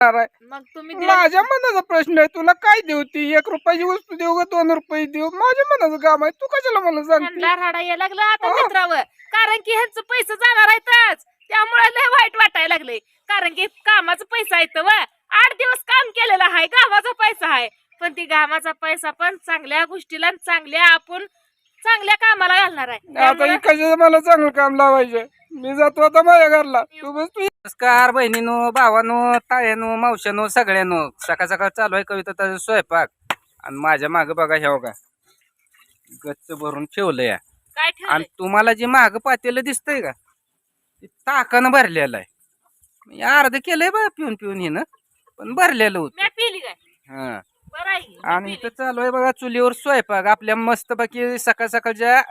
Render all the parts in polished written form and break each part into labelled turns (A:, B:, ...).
A: मग तुम्ही
B: माझ्या मनाचा प्रश्न आहे. तुला काय देऊ? ती 1 रुपयाची वस्तू देऊ का 2 रुपये देऊ? माझ्या मनाचं काम आहे. तू कशाला मला सांगते?
A: ह्यांना राडा यायला लागला आता मित्रावर, कारण की ह्यांचं पैसे जाणार आहेतच, त्यामुळे लय वाईट वाटायला लागले. कारण की कामाचा पैसा येतो व 8 दिवस काम केलेलं आहे, गावाचा पैसा आहे. पण ती गावाचा पैसा पण चांगल्या गोष्टीला आणि चांगल्या आपण चांगल्या कामाला घालणार आहे.
B: आता
A: त्यामुळे
B: ही कशाचं मला चांगलं काम लावायचं? मी जातो आता माझ्या घरला. तू बस. तू नमस्कार बहिणीनो, भावानो, तायानो, मावशानो, सगळ्यांनो. सकाळ सकाळ चालू आहे कविता स्वयंपाक. आणि माझ्या माग बघा हे बघा गच्च भरून ठेवलं या.
A: काय
B: आणि
A: ठेवलंय?
B: तुम्हाला जे माग पातेलं दिसतंय का, ते ताकानं भरलेलं आहे. मी अर्ध केलंय बा पिऊन पिऊन हिनं, पण भरलेलं होतं.
A: मी पिली काय?
B: हा.
A: बरं आहे की, मी
B: आणि
A: पिली.
B: इथं चालू आहे बघा चुलीवर स्वयंपाक. आपल्या मस्त बाकी सकाळ सकाळच्या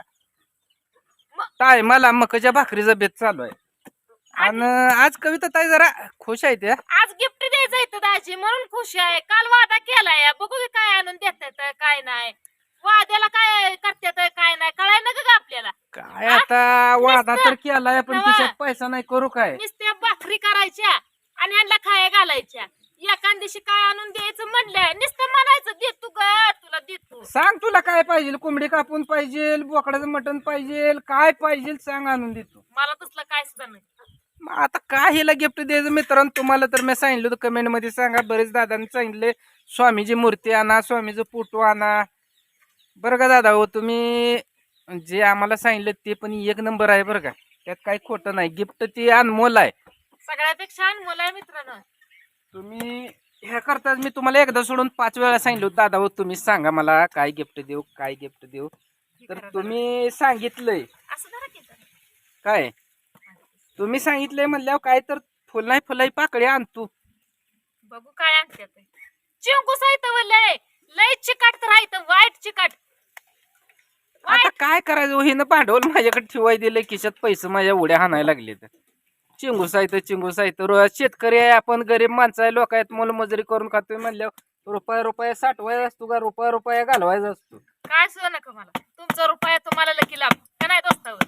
B: टायमाला मकाच्या भाकरीचा बेत चालू आहे. आणि आज कविता ताई जरा खुश आहे त्या.
A: आज गिफ्ट द्यायचं आहे दाजी म्हणून खुश आहे. काल वादा केलाय, बघू की काय आणून देतात काय नाही. वाद्याला काय करतात काय नाही कळाय ना का आपल्याला.
B: काय आता वादा तर केलाय, पण खिशात पैसा नाही. करू काय?
A: नुसत्या भाकरी करायच्या आणि यांना खाया घालायच्या. एखाद दिवशी काय आणून द्यायचं म्हणलं नुसतं म्हणायचं देतो ग तुला देतो.
B: सांग तुला काय पाहिजे? कोंबडी कापून पाहिजे, बोकडाचं मटण पाहिजे, काय पाहिजे सांग, आणून देतो.
A: मला तसलं काय सुद्धा नाही.
B: मग आता काय हिला गिफ्ट द्यायचं मित्रांनो? तुम्हाला तर मी सांगितलं होतं, कमेंट मध्ये सांगा. बरेच दादांनी सांगितले स्वामीची मूर्ती आणा, स्वामीचं फोटो आणा. बरं का दादा हो, तुम्ही जे आम्हाला सांगितलं ते पण 1 नंबर आहे बरं का. त्यात काही खोटं नाही. गिफ्ट ती अनमोल आहे.
A: सगळ्यापेक्षा अनमोल आहे मित्रांनो.
B: तुम्ही ह्या करताच मी तुम्हाला एकदा सोडून 5 वेळा सांगितलं होतं, दादा हो तुम्ही सांगा मला काय गिफ्ट देऊ, काय गिफ्ट देऊ. तर तुम्ही सांगितलंय
A: असं जरा की जरा.
B: काय, तुम्ही सांगितलंय म्हणल्यावर काय तर फुलाई फुलाई पाकळी आणतो.
A: बघू काय आणतात. चिंकू साहित्य लय लय चिकाट तर आहे वाईट चिकाट.
B: आता काय करायचं हो? हिनं भांडवल माझ्याकडे ठेवाय दिलंय, खिशात पैसे माझ्या उड्या हाणायला लागले. तर चिंगू साहित्य रोज शेतकरी आहे आपण, गरीब माणसं आहे, लोक आहेत, मोलमजुरी करून खातोय म्हणल्यावर रुपया साठवायचा असतो का रुपया घालवायचा असतो?
A: काय सुद्धा नका मला. तुमचा रुपया तुम्हाला लकी लाभ का नाही दोस्तावर.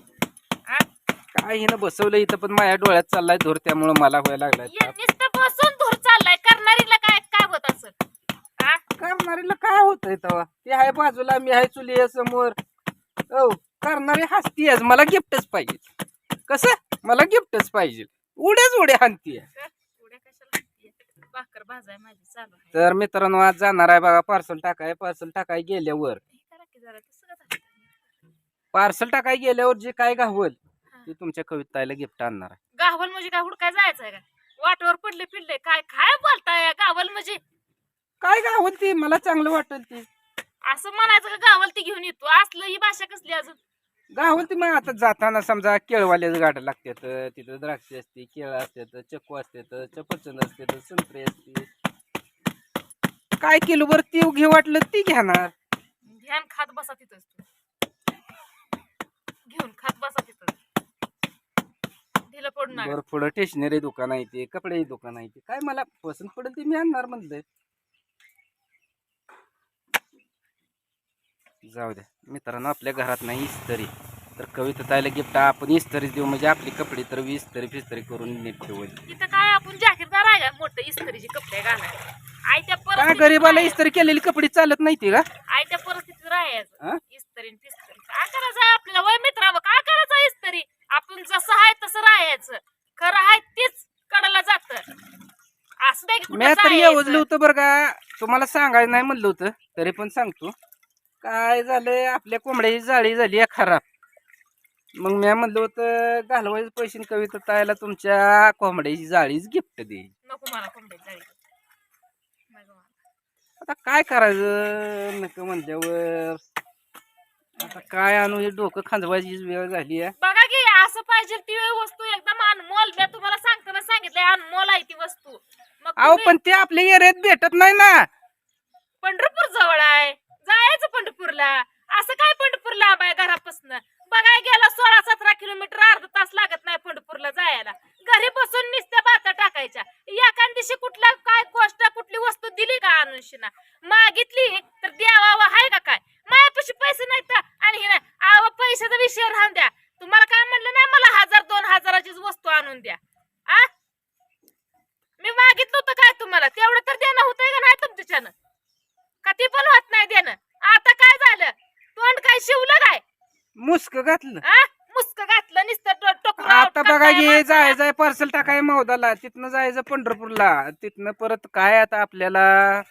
B: काय हिनं बसवलं इथं, पण माझ्या डोळ्यात चाललाय धूर, त्यामुळे मला व्हायला लागलाय.
A: नुसतं बसून धूर चाललाय. करणारीला काय काय होत असं?
B: करणारीला काय होतंय तेव्हा? ते आहे बाजूला, मी आहे चुली समोर. हो, करणारी हसती आहे. मला गिफ्टच पाहिजे. कसं? मला गिफ्टच पाहिजे. उड्या हाणतीये.
A: उड्या कशाला भाकर भाजाय माझी चालू आहे.
B: तर मित्रांनो आज जाणार आहे बघा पार्सल टाकाय गेल्यावर, जे काय गावल ते तुमच्या कविताला गिफ्ट आणणार आहे.
A: गावल म्हणजे काय हुडकाय जायचंय का? वाटवर पडले फिरले काय काय बोलताय? गावल म्हणजे
B: काय गावल ती मला चांगलं वाटेल ती
A: असं म्हणायचं का? गावल ती घेऊन येतो असलं ही भाषा कसली अजून?
B: गावल ती. मग आता जाताना समजा केळवाल्याच गाड्या लागतात, तिथं द्राक्ष असते, केळ असतात, चक्कू असतात, सफरचंद असतात, संत्रे असते. काय किलो बर ती घे वाटलं ती घेणार.
A: ध्यान खात बसा तिथंच तू. घेऊन खात बसा तिथं. ढिलं पडून
B: बरं पुढं स्टेशनरी दुकान आहे ते, कपडे दुकान आहे ते, काय मला पसंत पडेल ते मी आणणार म्हणलंय. जाऊ द्या मित्रांनो, आपल्या घरात नाही इस्त्री, तर कविता ताईला गिफ्ट आपण इस्त्री देऊ, म्हणजे आपली कपडे तर इस्त्री करून नीट ठेवली.
A: तिथं काय आपण जाहीरदार आहे का मोठं इस्त्रीचे कपडे घालायला? आयत्या
B: काय
A: परिस्थितीत
B: गरीबाला
A: राहायचं.
B: इस्त्री केलेली कपडे चालत नाही ते का?
A: आयत्या परिस्थितीत राहायचं.
B: हा?
A: इस्त्री पिस्त्री काय करायचं आपल्याला? वय मित्रावं काय करायचं इस्त्री? आपण जसं आहे तसं राहायचं. खरं आहे तीच कडला जात. असं नाही की
B: मी
A: कुठं
B: तर योजलं
A: जायचं.
B: होतं बरं का, तुम्हाला सांगायचं नाही म्हणलं होतं, तरी पण सांगतो. काय झालंय, आपल्या कोंबड्याची जाळी झाली आहे खराब. मग मी म्हणलं होतं घालवायचं पैसे कविता ताईला तुमच्या कोंबड्याची जाळीच गिफ्ट दे.
A: नको मला कोंबड्याची जाळी. नको मला.
B: आता काय करायचं नको म्हणल्यावर, आता काय आणू, हे डोकं खांदवायची वेळ झाली आहे.
A: बघा की असं पाहिजे ती वस्तू एकदम अनमोल. मी तुम्हाला सांगताना सांगितलंय अनमोल आहे ती वस्तू. मग
B: अहो
A: तुम्ही
B: पण ते आपल्या एरियात भेटत नाही ना.
A: पंढरपूर जवळ आहे, जायचं पंढरपूरला. असं काय पंढरपूर लांब आहे घरापासून? बघाय गेला 16-17 किलोमीटर, अर्धा तास लागत नाही पंढरपूरला जायला. घरी बसून नुसत्या बाता टाकायच्या. एखाद दिवशी कुठला काय गोष्ट कुठली वस्तू दिली का अनुषीना? मागितली तर द्यावा आहे का काय? माझ्यापाशी पैसे नाहीत आणि हे नाही. आव पैशाचा विषय राहून द्या. तुम्हाला काय म्हणलं नाही मला 1000-2000 वस्तू आणून द्या. आ मी मागितलं होतं काय तुम्हाला?
B: मुस्क घातलं.
A: मुस्क घातलं नुसतं टोकून
B: आता बघा हे जायचंय पार्सल टाकाय मौदाला, तिथनं जायचं पंढरपूरला, तिथनं परत काय आता आपल्याला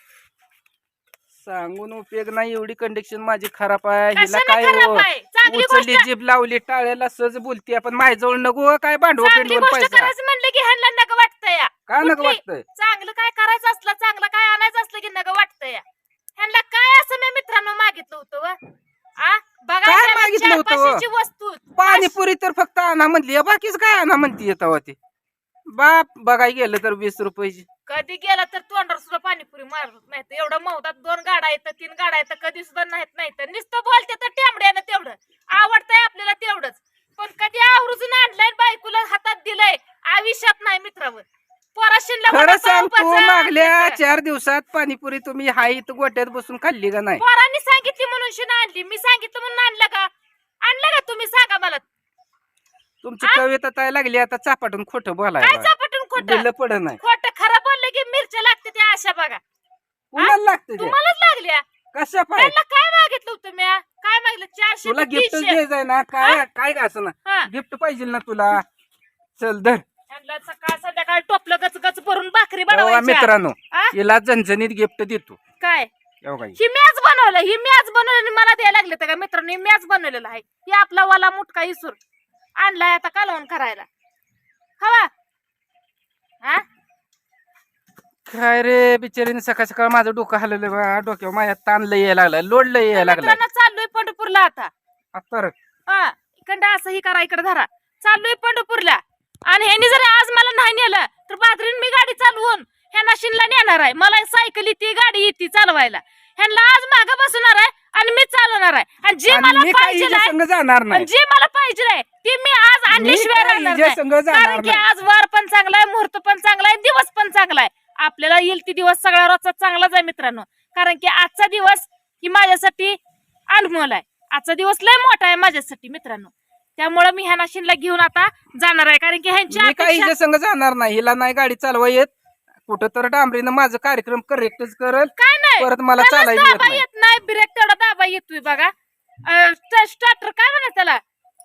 B: सांगून उपयोग नाही. एवढी कंडिशन माझी खराब आहे. हिला काय हो उचलली जीभ लावली टाळ्याला सहज बोलते. आपण माझ्याजवळ नको काय भांडवल पैसा
A: म्हणलं की ह्यांना नग वाटतंय
B: काय नको वाटतंय.
A: चांगलं काय करायचं असलं चांगलं काय आणायचं असलं की नग वाटतंय. ह्यांना काय असं मी मित्रांनो मागितलं होतं बघा
B: काय मागितलं होतं?
A: वस्तू
B: पाणीपुरी तर फक्त आणा म्हणली, बाकीच काय आणा म्हणती येतावा ते. बाप बघाय गेलं तर 20 रुपयाची.
A: कधी गेला तर तोंडावर सुद्धा पाणीपुरी मारत नाही. एवढं मौदात 2 गाडा येतं 3 गाडा येतं कधी सुद्धा नाही तर नुसतं बोलते तर टेंबड्यानं तेवढं आवडतंय आपल्याला तेवढंच. पण कधी आवरून आणलंय बायकोला हातात दिलंय आयुष्यात नाही मित्रावर.
B: खरं सांग तू मागल्या 4 दिवसात पाणीपुरी तुम्ही हाय इथं गोट्यात बसून खाल्ली का नाही?
A: पोरांनी सांगितली म्हणून शिना आणली. मी सांगितलं म्हणून आणलं का तुम्ही सांगा मला.
B: तुमची कविता ताय लागली आता चापाटून खोटं
A: काय
B: बोलायला.
A: चापटून खोटं
B: पड नाही.
A: खोटं खरं बोललं की मिरच्या लागते त्या अशा बघा.
B: कुणाला लागतं ते?
A: तुम्हालाच लागल्या.
B: कशा पाय
A: त्यांना काय मागितलं होतं मी? काय मागितलं? 400
B: तुला
A: ते
B: गिफ्ट
A: 300.
B: द्यायचंय ना काय काय का असं ना गिफ्ट पाहिजे ना तुला. चल धर.
A: त्यांना सकाळ संध्याकाळ टोपलं गच गच भरून भाकरी
B: तेव्हा
A: बनवायची.
B: मित्रांनो हिला झणझणीत गिफ्ट देतो.
A: काय
B: एवढं
A: ही मॅच बनवलं ही मॅच बनवलं मला द्यायला लागले तर का मित्रांनो. ही मॅच बनवलेलं आहे. ही आपला वाला मुटका इसुर आणलाय आता कालवण करायला. हवा
B: काय रे बिचारीने सकाळ सकाळ माझं डोकं हलवलं बा. डोक्यावर माझ्या ताण लय यायला लागला, लोड लय यायला लागला.
A: मित्रांनो चाललोय पंढरपूरला आता.
B: तर
A: इकडं असं ही करा इकडे धरा. चाललोय पंढरपूरला आणि ह्यांनी जर आज मला नाही नेलं तर बाजरीन मी गाडी चालवून ह्यांना शिनला नेणार आहे. मला सायकल येते गाडी येते चालवायला. ह्यांना आज मागं बसणार आहे आणि मी चालवणार आहे. आणि जे मला पाहिजे
B: जाणार नाही,
A: जे मला पाहिजे ते मी आज आणल्याशिवाय राहणार नाही. कारण की आज वार पण चांगला आहे, मुहूर्त पण चांगला आहे, दिवस पण चांगला आहे. आपल्याला येईल ती दिवस सगळा रोजचा चांगलाच आहे मित्रांनो. कारण की आजचा दिवस ही माझ्यासाठी अनमोल आहे. आजचा दिवस लय मोठा आहे माझ्यासाठी मित्रांनो. त्यामुळे मी ह्या नाशिनला घेऊन आता जाणार आहे. कारण की ह्यांची
B: काही संग जाणार नाही. हिला नाही गाडी चालवा येत. कुठं तर डांबरीनं माझं कार्यक्रम करेक्टच करल.
A: काय नाही
B: परत मला चालायला
A: येत नाही. ब्रेक तेवढा दाबा येतोय बघा. स्टार्टर काय म्हणत त्याला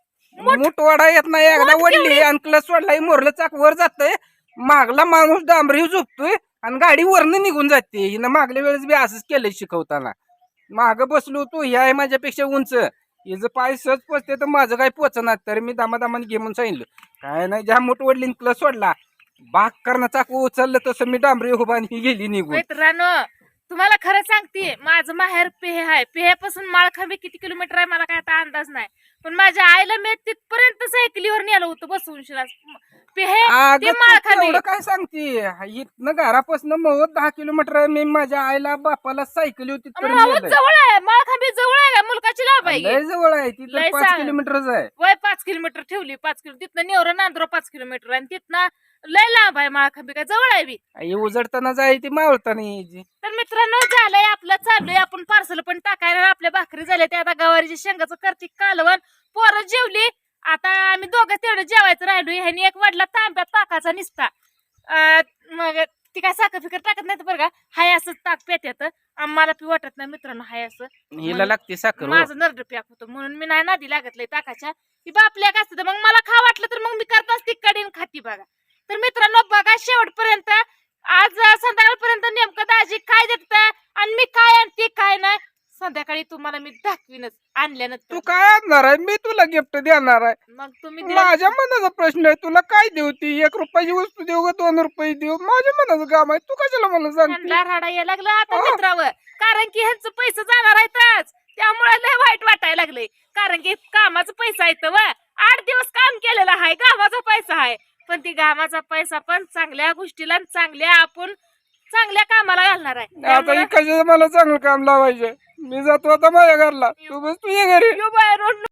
B: मूठ वाडा येत नाही. एकदा वडली आणि क्लच सोडला मोरलं चाक वर जातंय. मागला माणूस डांबरी झोपतोय आणि गाडी वरनं निघून जाते. हिनं मागल्या वेळेस बी असंच केलंय शिकवताना. माग बसलो होतो ही आहे माझ्यापेक्षा उंच. हिचं पाय सहज पोचते तर माझं काय पोचणार. तर मी दामादामाने घे म्हणून सांगितलं. काय नाही ज्या मूठ वडली क्लच सोडला बाग करणं चाकू उचललं तसं मी डांबरी उभा आणि ही गेली निघून.
A: मित्रांनो तुम्हाला खरं सांगते माझं माहेर पेहे आहे. पेहेपासून माळखांबी किती किलोमीटर आहे मला काय आता अंदाज नाही. पण माझ्या आईला मी तिथपर्यंत सायकलीवर नेलं होतं बसवून शिला. पेहे माळखांबी
B: काय सांगते इथनं घरापासून मग 10 किलोमीटर मी माझ्या आईला बापाला सायकली होती
A: जवळ आहे. माळखांबी जवळ आहे का मुलकाची लाभ आहे.
B: लय जवळ आहे. तिथं 5 किलोमीटरच आहे.
A: वय 5 किलोमीटर ठेवली. 5 किलो तिथनं नेवरं नांदरो 5 किलोमीटर आणि तिथनं लय लांब आहे. माळखांबी काय जवळ आहे बी.
B: उजडताना जाय ती मावळताना यायची.
A: तर मित्रांनो झालंय आपलं चाललोय आपण पार्सल पण टाकायला. आपल्या भाकरी झाल्या त्या आता गवारीच्या शेंगाचं करते कालवण. पोरं जेवली. आता आम्ही दोघं तेवढं जेवायचं राहिलो. ह्यानी एक वाढला तांब्यात ताकाचा निसता. मग ती काय साखर फिकर टाकत नाही बरं का. हाय असं ताक पेत्यात. आम्हाला पी वाटत नाही मित्रांनो. हाय असं
B: हिला लागते साखर.
A: माझं नरड प्याक होतं म्हणून मी नाही नादी लागत लय ताकाच्या. ती बापल्या का असतं मग मला खा वाटलं तर मग मी करताच ती कडीन खाती बघा. तर मित्रांनो बघा शेवटपर्यंत. आज संध्याकाळपर्यंत नेमकं दाजी काय देत आणि मी काय आणते काय नाही संध्याकाळी तुम्हाला मी दाखवीनच आणल्यानंतर.
B: तू काय आणणार आहे? मी तुला गिफ्ट देणार आहे.
A: मग तुम्ही
B: माझ्या मनाचा प्रश्न आहे. तुला काय देऊ? ती 1 रुपयाची वस्तू देऊ का 2 रुपये देऊ? माझ्या मनाचं काम आहे. तू कशाला मला सांगते?
A: राडा यायला लागला आता मित्रावर. कारण की ह्यांचं पैसे जाणार आहेतच. त्यामुळे लय वाईट वाटायला लागले. कारण की कामाचा पैसा येतं व 8 दिवस काम केलेलं आहे. कामाचा पैसा आहे. पण ती कामाचा पैसा पण चांगल्या गोष्टीला चांगल्या आपण चांगल्या कामाला घालणार आहे.
B: आता कशाचं मला चांगलं काम लावायचं. मी जातो आता माझ्या घरला. तू बस तुझ्या घरी.